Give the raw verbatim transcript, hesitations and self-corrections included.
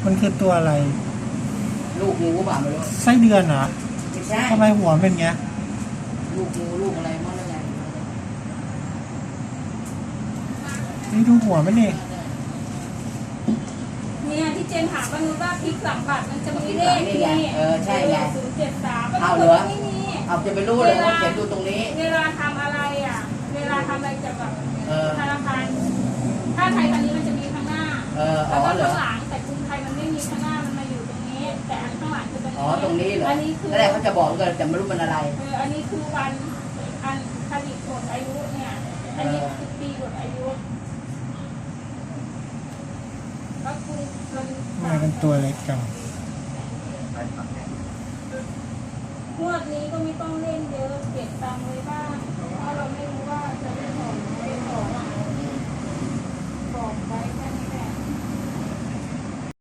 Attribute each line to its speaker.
Speaker 1: มันคือตัวอะไร
Speaker 2: ลูกงูเปล่าไม่รู้
Speaker 1: ไส้เดือนเหรอ
Speaker 2: ไม่ใช่
Speaker 1: ทำไมหัวเป็นเงี้ย
Speaker 2: ลูกงูลูกอะไรมั่งอะไร
Speaker 1: นี่ดูหัวมันนี่
Speaker 3: เนี่ยที่เจนถามว่านูว่าพลิกหลังบัตรมันจะมีเลขนี่
Speaker 2: เออใช่ไง
Speaker 3: ศูนย์เจ็ดสาม
Speaker 2: เอาเหรอ
Speaker 3: ไม่มี
Speaker 2: เอาจะไปรู้เลยว่าเขียนดูตรงนี้
Speaker 3: เวลาทำอะไรอ่ะเวลาทำอะไรจะแบบธนาคารถ้าไทยพันนี้มันจะมีข้างหน้าแล้วก็ข้างหลังแต่กรุงไทยมันไม่มีข้างหน้ามันมาอยู่ตรงนี้แต่อันข้างหลังจะเป็น
Speaker 2: อ๋อตรงนี้เหรอ
Speaker 3: อันนี้คือ
Speaker 2: แล้วเขาจะบอกกันแต่ไม่รู้มันอะไร
Speaker 3: เอออันนี้คือวันอันผลิตหมดอายุเนี่ยอันนี้คือปีหมดอายุก็คือมัน
Speaker 1: ทำไมเป็นตัวเล็กจัง
Speaker 3: งวดนี้ก็ไม่ต้องเล่นเยอะเก็บตังค์ไว้บ้างเพราะเราไม่รู้ว่าจะได้ของไม่ได้ของบอกไว้แค่